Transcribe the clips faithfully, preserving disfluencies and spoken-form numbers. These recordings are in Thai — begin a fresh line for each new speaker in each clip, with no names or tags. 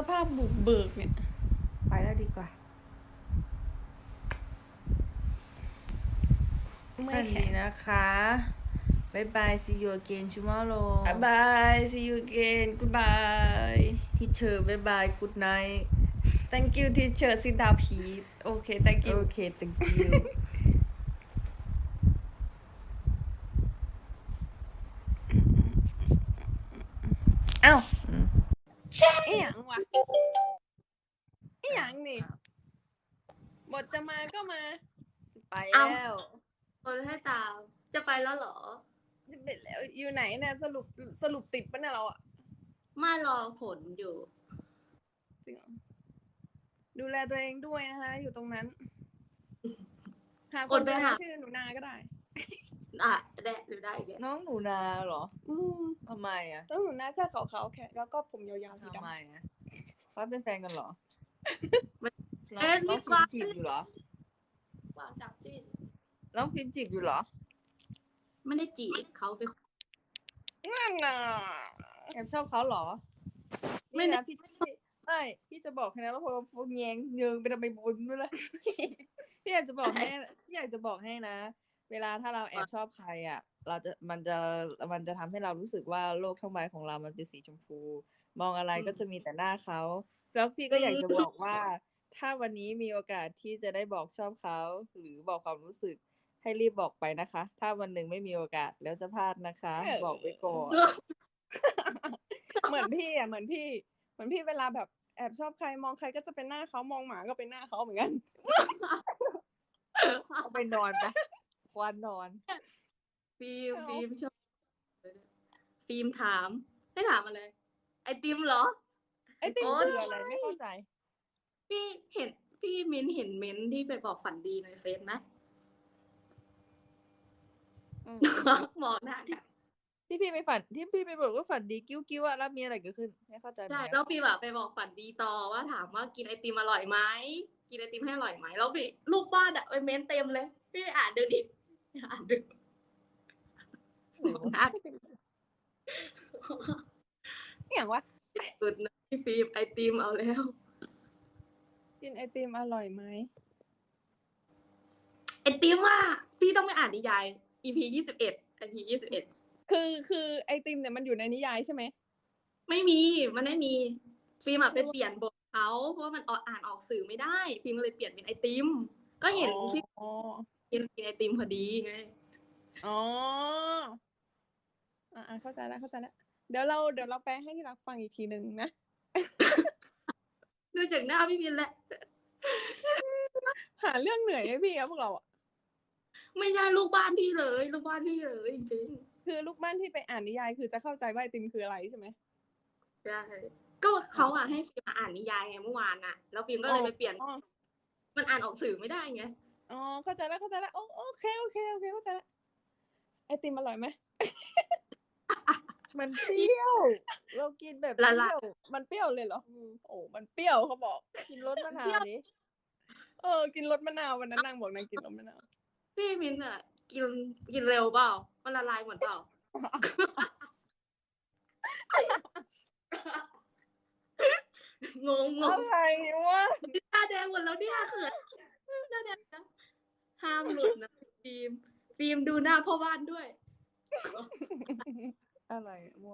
ภาพบุกเบิกเนี่ย
ไปแล้วดีกว่า
ไม่
ฝันดีนะคะบายบาย see you again tomorrow
บาย see you again goodbye
teacher บายบาย good night
thank you teacher sit down please โอเค thank you
โอเค thank you
เอ้าอีหยังวะอีหยังนี่บทจะมาก็มา
ไปแล้ว
คนให้ตามจะไปแล้วเหรอ
จะเป็นแล้วอยู่ไหนเนี่ยสรุปสรุปติดปะเนี่ยเราอะ
ไม่รอผลอยู่
จริงเหรอดูแลตัวเองด้วยนะคะอยู่ตรงนั้นหาคนไปหาชื่อหนูนาก็ได้
อ่ะได้หรือได้อีก
น้องหนูนาเหรอ
อืม
ทำไมอ่ะ
น้องหนูนาเสื้อขาวๆแค่แล้วก็ผมยาวๆสีดำ
ทำไมอ่ะเขาเป็นแฟนกันเหรอน้อง
เอ็น
น้
มี
อง
ค
ฟิล์
วาม
จีบอยู่เหรอ
วางจับจิ้น
น้องฟิล์มจีบอยู่เหรอ
ไม่ได้จีบเขาไป
นั่นน่ะ
แอบชอบเขาเหรอไม่นะพี่ไม่พี่จะบอกให้นะว่าพอพวกแยงเยิงไปทำไมบุญด้วยล่ะพี่อยากจะบอกให้พี่อยากจะบอกให้นะเวลาถ้าเราแอบชอบใครอ่ะเราจะมันจะมันจะทำให้เรารู้สึกว่าโลกทั้งใบของเรามันเป็นสีชมพูมองอะไรก็จะมีแต่หน้าเขาแล้วพี่ก็อยากจะบอกว่าถ้าวันนี้มีโอกาสที่จะได้บอกชอบเขาหรือบอกความรู้สึกให้รีบบอกไปนะคะถ้าวันหนึ่งไม่มีโอกาสแล้วจะพลาดนะคะบอกไว้ก่อน
เหมือนพี่อ่ะเหมือนพี่เหมือนพี่เวลาแบบแอบชอบใครมองใครก็จะเป็นหน้าเขามองหมาก็เป็นหน้าเขาเหมือนกัน
เอาไปนอนไปควันนอน
ฟิล์มฟิล์มชอบฟิล์มถามให้ถามอะไรไอติมเหรอ
ไอติมคืออะไรไม่เข้าใจ
พี่เห็นพี่มินเห็นเม้นที่ไปบอกฝันดีในเฟซไหมบอกหน้ากัน
ที่พี่ไปฝันที่พี่ไปบอกว่าฝันดีกิ้วกิ้วอะแล้วมีอะไรเกิดขึ้นไม่เข้าใจ
ใช่แล้วพี่แบบไปบอกฝันดีต่อว่าถามว่ากินไอติมอร่อยไหมกินไอติมให้อร่อยไหมแล้วพี่ลูกบ้านอะไปเม้นเต็มเลยพี่อ่านดูดิอ่านดูนัก
อย่างวะ
สุดนะพี่ฟิล์มไอติมเอาแล้ว
กินไอติมอร่อยไหม
ไอติมว่าพี่ต้องไปอ่านนิยาย อี พี ยี่สิบเอ็ด อี พี ยี่สิบเอ็ด
คือคือไอติมเนี่ยมันอยู่ในนิยายใช่ไหม
ไม่มีมันไม่มีฟิล์มอะไปเปลี่ยนบทเขาเพราะว่ามันอ่านออกสื่อไม่ได้ฟิล์มก็เลยเปลี่ยนเป็นไอติมก็เห็นพี่กินกินไอติมพอดีไง
อ๋ออ่าเข้าใจแล้วเข้าใจแล้วเดี๋ยวเราเดี๋ยวเราแปลให้ที่รักฟังอีกทีหนึ่งนะ
ดูจากหน้าพี่มินแหละ
หาเรื่องเหนื่อยให้พี่ครับพวกเราอ่ะ
ไม่ใช่ลูกบ้านพี่เลยลูกบ้านพี่เลยจริง
ๆคือลูกบ้านที่ไปอ่านนิยายคือจะเข้าใจว่าไอติมคืออะไรใช่ไหม
ใช่ก็เขาอ่ะให้ฟิล์มอ่านนิยายไงเมื่อวานน่ะแล้วฟิล์มก็เลยไปเปลี่ยนมันอ่านออกสื่อไม่ได้ไง
อ๋อเข้าใจแล้วเข้าใจแล้วโอเคโอเคโอเคเข้าใจแล้วไอติมอร่อยไหม
มันเปรี้ยวเรากินแบบเปรี้ยว
มันเปรี้ยวเลยเหรอโอ้มันเปรี้ยวเขาบอก
กินรสมะนาวดิ
เออกินรสมะนาววันนั้นนางบอกนางกินรสมะนาว
พี่มินอ่ะกินกินเร็วเปล่ามันละลายหมดเปล่า งงงง
อะไรวะ
หน้าแดงหมดแล้วเนี่ยเขินหน้าแดงนะห้ามหลุดนะฟิล์มฟิล์มดูหน้าพ่อบ้านด้วย
อะไรมั่ว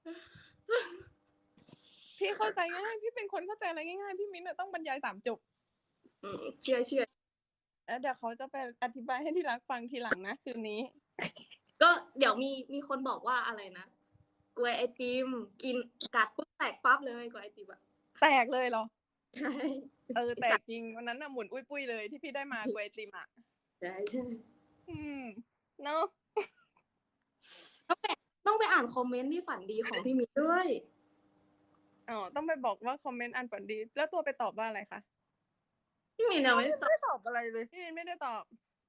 พี่เข้าใจง่ายพี่เป็นคนเข้าใจอะไรง่ายๆพี่มิ้นต้องบรรยายสามจบ
เชื่อเชื่อ
แล้วเดี๋ยวเขาจะไปอธิบายให้ที่รักฟังทีหลังนะคืนนี้
ก็เดี๋ยวมีมีคนบอกว่าอะไรนะกล้วยไอติมกินกัดปุ๊บแตกปั๊บเลยกล้วยไอติมอะ
แตกเลยเหรอ
ใช่
เออแตกจริงวันนั้นน่ะหมุนอุ้ยปุ้ยเลยที่พี่ได้มากล้วยไอติมอ่ะ
ใช่ใช่
อืมเนาะ
ต้องไปต้องไปอ่านคอมเมนต์ที่ฝันดีของพี่มิด้วย
อ๋อต้องไปบอกว่าคอมเมนต์อันฝันดีแล้วตัวไปตอบว่าอะไรคะ
พี่มินยังไม่ได้
ตอบอะไรเลยพี่มินไม่ได้ตอบ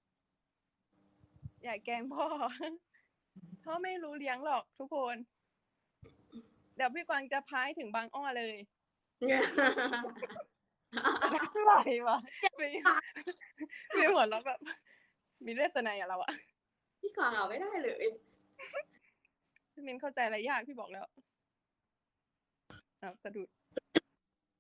อย่าแกล้งพ่อพ่อไม่รู้เลี้ยงหรอกทุกคนเดี๋ยวพี่กวางจะพายถึงบางอ้อเลยอะไรวะมีมีหัวเราะแบบมีเลสไนอะเราอะ
พี่ขอเอาไม่ได้เลย
พี่มินเข้าใจอะไรยากพี่บอกแล้วเอาสะดุด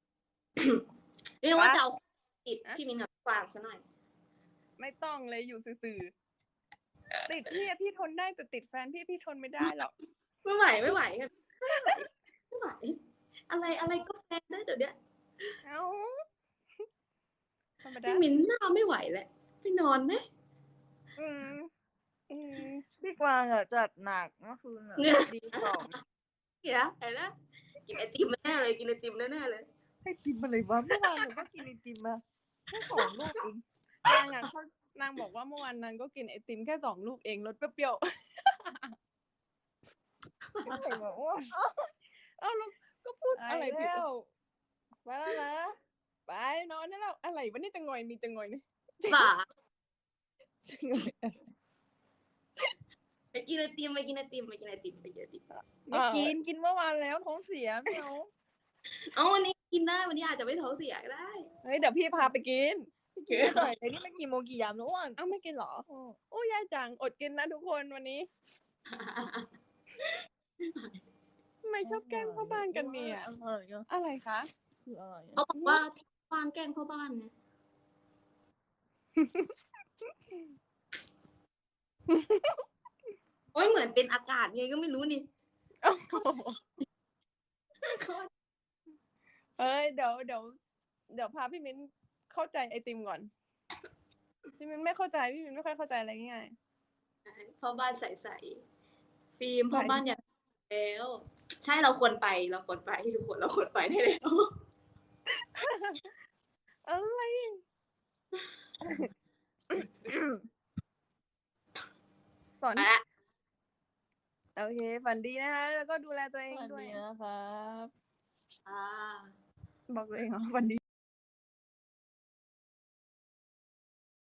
เรียกว่า
ปะ
จะเอาติด
อะ
พี่มินกับกวางซะหน่อย
ไม่ต้องเลยอยู่ซื่อๆติดพี่อะพี่ทนได้แต่ติดแฟนพี่พี่ทนไม่ได้หรอก
ไม่ไหวไม่ไหวกันไม่ไหวไม่ไหว อะไรอะไรก็แฟนได้เดี๋ยวเนี้ย
เอ้าธรรมดา
พี่มินหน้าไม่ไหวแล้วไปนอนไหม
อืมอืม
พี่กวางอ่ะจัดหนักเมื่อคืนอ่ะ
เนี่ย
ดีสอง
เห็นแล้วเห็นแล้วกินไอติมแน่เลยกินไอติมแน่ๆเลย
ให้กินอะไรวะเมื่อวานหนูก็กินไอติมมาแค่สองลูกเอง
นางอ่ะเขานางบอกว่าเมื่อวานนางก็กินไอติมแค่สองลูกเองรสเปรี้ยว
อะไรวะอ้วน
ๆเอ้าแล้วก็พูดอะไรผิด
แล้วไปแล้วนะ
ไปนอนได้แล้วอะไรวะนี่จะงอยมีจะงอยนี่
ฝา
จะงอย
ไปกินไอติมไปกินไอติมไปกินไอติมไปกินไอติม
ไม่กินกินเมื่อวานแล้วท้องเสียไม่เอา
เอาวันนี้กินได้วันนี้อาจจะไม่ท้องเสียก็ได้
เฮ้ยเดี๋ยวพี่พาไปกิน
กินไม่หน่อยไอ้นี่มันกี่โมงกี่ยามแล้วอ้วน
เอ้าไม่กินเหรอโอ้ยายจังอดกินนะทุกคนวันนี้ทำไมชอบแกล้งพ่อบ้านกันเนี่ย
อะไรอ่ะ
อะไรคะ
คืออะไร
เขา
อ่ะ
บอกว่าที่บ้านแกล้งพ่อบ้านนะโอ้ยเหมือนเป็นอากาศไงก็ไม่รู้นี่
เอ้ยเดี๋ยวเดี๋ยวเดี๋ยวพาพี่มิ้นเข้าใจไอติมก่อน พี่มิ้นไม่เข้าใจพี่มิ้นไม่ค่อยเข้าใจอะไรง่าย
พ่อบ้านใสๆฟิล์มพ่อบ้านอยากแล้ว ใช่เราควรไปเราควรไปทุกคนเราควรไปได้แล้ว
ๆอะไร สอน
ไปละ
โอเคฝันดีนะคะ แล้วก็ดูแลตัวเอง
สวัส
ด้วย
ดีนะครับ
อ่า
บอกตัวเองเหรอฝันดี